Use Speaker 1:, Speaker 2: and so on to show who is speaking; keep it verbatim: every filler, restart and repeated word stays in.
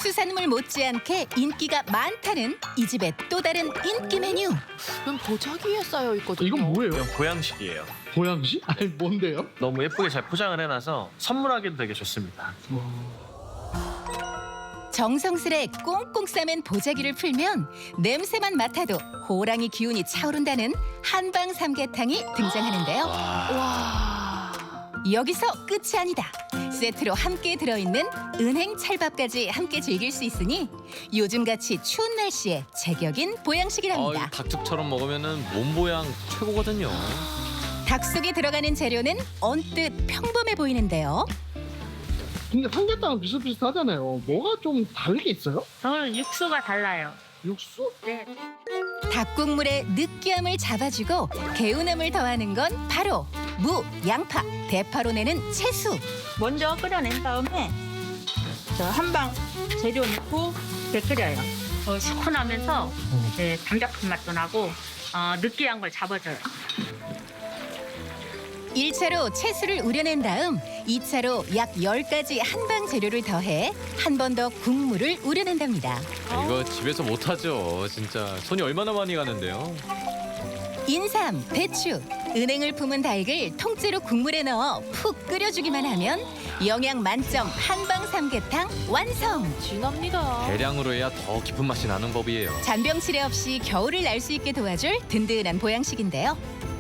Speaker 1: 수산물 못지않게 인기가 많다는 이 집의 또 다른 인기 메뉴.
Speaker 2: 이건 보자기에 쌓여 있거든요.
Speaker 3: 이건 뭐예요?
Speaker 4: 이건 보양식이에요.
Speaker 3: 보양식? 아니 뭔데요?
Speaker 4: 너무 예쁘게 잘 포장을 해놔서 선물하기도 되게 좋습니다.
Speaker 1: 정성스레 꽁꽁 싸맨 보자기를 풀면 냄새만 맡아도 호랑이 기운이 차오른다는 한방 삼계탕이 등장하는데요.
Speaker 2: 와.
Speaker 1: 여기서 끝이 아니다. 세트로 함께 들어있는 은행 찰밥까지 함께 즐길 수 있으니 요즘같이 추운 날씨에 제격인 보양식이랍니다.
Speaker 5: 아, 닭죽처럼 먹으면은 몸 보양 최고거든요.
Speaker 1: 닭 속에 들어가는 재료는 언뜻 평범해 보이는데요.
Speaker 3: 근데 삼계탕은 비슷비슷하잖아요. 뭐가 좀 다르게 있어요?
Speaker 6: 저는 육수가 달라요.
Speaker 3: 육수?
Speaker 6: 네.
Speaker 1: 닭국물의 느끼함을 잡아주고 개운함을 더하는 건 바로 무, 양파, 대파로 내는 채수.
Speaker 6: 먼저 끓여낸 다음에 저 한방 재료 넣고 이렇게 끓여요. 어, 시원하면서 네, 담백한 맛도 나고 어, 느끼한 걸 잡아줘요.
Speaker 1: 일 차로 채수를 우려낸 다음 이 차로 약 열 가지 한방 재료를 더해 한 번 더 국물을 우려낸답니다.
Speaker 5: 이거 집에서 못하죠. 진짜 손이 얼마나 많이 가는데요.
Speaker 1: 인삼, 배추, 은행을 품은 닭을 통째로 국물에 넣어 푹 끓여주기만 하면 영양 만점 한방 삼계탕 완성!
Speaker 2: 진합니다.
Speaker 5: 대량으로 해야 더 깊은 맛이 나는 법이에요.
Speaker 1: 잔병치레 없이 겨울을 날 수 있게 도와줄 든든한 보양식인데요.